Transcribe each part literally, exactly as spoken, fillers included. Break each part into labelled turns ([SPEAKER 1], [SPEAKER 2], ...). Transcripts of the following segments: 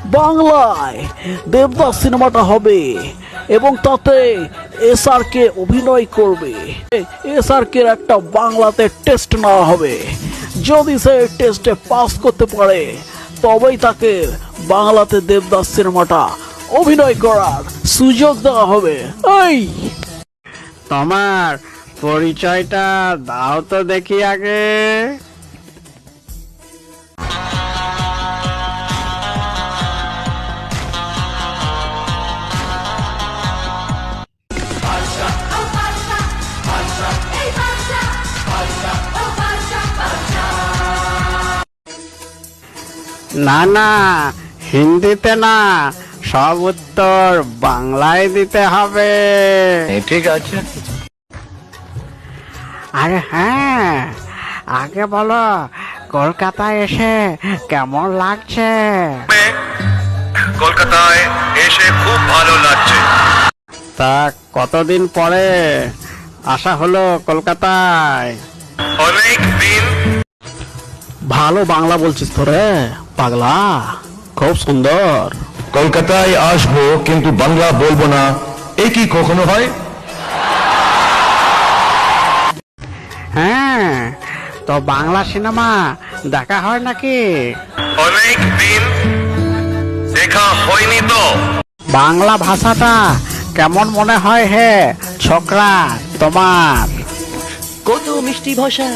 [SPEAKER 1] বাংলায় দেবদাস সিনেমাটা হবে এবং তাতে এস আর কে অভিনয় করবে। এস আর কে একটা বাংলাতে টেস্ট নেওয়া হবে। যদি সে টেস্টে পাস করতে পারে তবেই তাকে বাংলাতে দেবদাস সিনেমাটা অভিনয় করার সুযোগ দেওয়া হবে। এই
[SPEAKER 2] তোমার পরিচয়টা দাও তো দেখি আগে। না না, হিন্দিতে না, সব উত্তর বাংলায় দিতে হবে।
[SPEAKER 3] ঠিক আছে।
[SPEAKER 2] আরে হ্যাঁ, আগে বলো কলকাতায় এসে কেমন লাগছে?
[SPEAKER 3] কলকাতায় এসে খুব ভালো লাগছে।
[SPEAKER 2] তা কতদিন পরে আসা হলো কলকাতায়?
[SPEAKER 3] অনেক দিন।
[SPEAKER 1] ভালো বাংলা বলছিস তো রে পাগলা, খুব সুন্দর।
[SPEAKER 3] কলকাতায় আসবো কিন্তু বাংলা বলবো না, এ কি কখনো হয়?
[SPEAKER 2] হ্যাঁ, তো বাংলা সিনেমা দেখা হয় নাকি?
[SPEAKER 3] অনেক দিন দেখা হয়নি তো।
[SPEAKER 2] বাংলা ভাষাটা কেমন মনে হয় হে ছোকরা তোমার?
[SPEAKER 1] কত মিষ্টি ভাষা।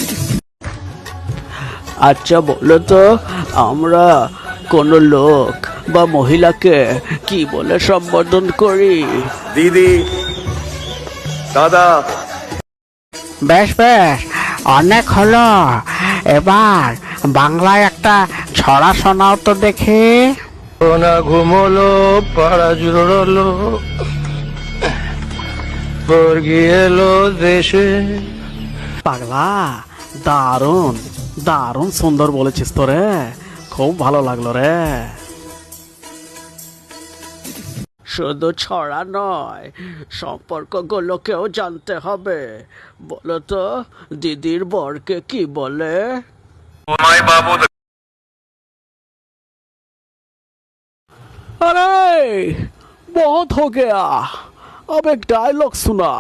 [SPEAKER 1] আচ্ছা বলো তো, আমরা কোন লোক বা মহিলাকে কি বলে সম্বোধন করি?
[SPEAKER 3] দিদি, দাদা।
[SPEAKER 2] বেশ বেশ, অনেক হলো। এবার বাংলায় একটা ছড়া শোনাও তো দেখি।
[SPEAKER 3] না ঘুমলো, পাড়া জুড়লো, বর্গি এলো দেশে।
[SPEAKER 1] পাগলা, দারুণ দারুণ সুন্দর বলেছিস তো রে, খুব ভালো লাগলো রে। শুধু ছড়া নয়, সম্পর্কগুলোকেও জানতে হবে। বলো তো, দিদির বরকে কি বলে?
[SPEAKER 3] মাই বাবু।
[SPEAKER 1] अरे बहुत हो गया, अब एक डायलॉग सुना।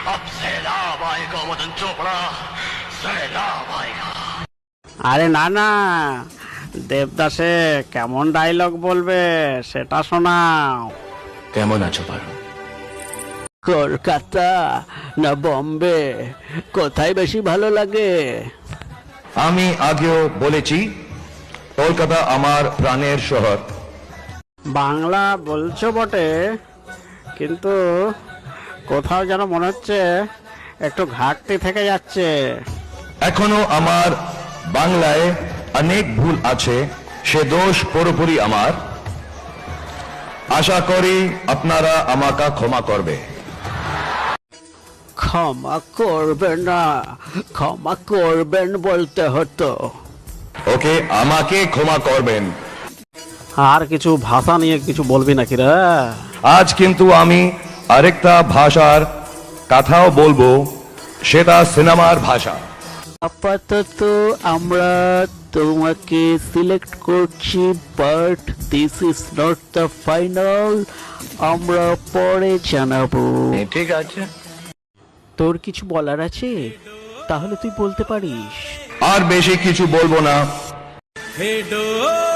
[SPEAKER 2] আরে না না, দেবদাসে কেমন ডায়লগ বলবে সেটা শোনাও।
[SPEAKER 3] কেমন আছো পারো?
[SPEAKER 1] কলকাতা না বম্বে, কোথায় বেশি ভালো লাগে?
[SPEAKER 3] আমি আগেও বলেছি, কলকাতা আমার প্রাণের শহর।
[SPEAKER 2] বাংলা বলছো বটে, কিন্তু কোথাও যেন মনে হচ্ছে একটু ঘাটতি থেকে যাচ্ছে।
[SPEAKER 3] এখনো আমার বাংলায় অনেক ভুল আছে, সে দোষ পুরোপুরি আমার। আশা করি আপনারা আমাকে ক্ষমা করবে।
[SPEAKER 1] ক্ষমা করবেন না, ক্ষমা করবেন বলতে হতো।
[SPEAKER 3] ওকে, আমাকে ক্ষমা করবেন।
[SPEAKER 1] আর কিছু ভাষা নিয়ে কিছু বলবি নাকি রে?
[SPEAKER 3] আজ কিন্তু আমি আরেকটা ভাষার কথাও বলবো, সেটা সিনেমার ভাষা।
[SPEAKER 1] আপাতত আমরা তোমাকে সিলেক্ট করছি, but this is not the final. আমরা পরে জানাবো।
[SPEAKER 3] ঠিক আছে।
[SPEAKER 1] তোর কিছু বলার আছে? তাহলে তুই বলতে পারিস।
[SPEAKER 3] আর বেশি কিছু বলবো না।
[SPEAKER 4] हे डोर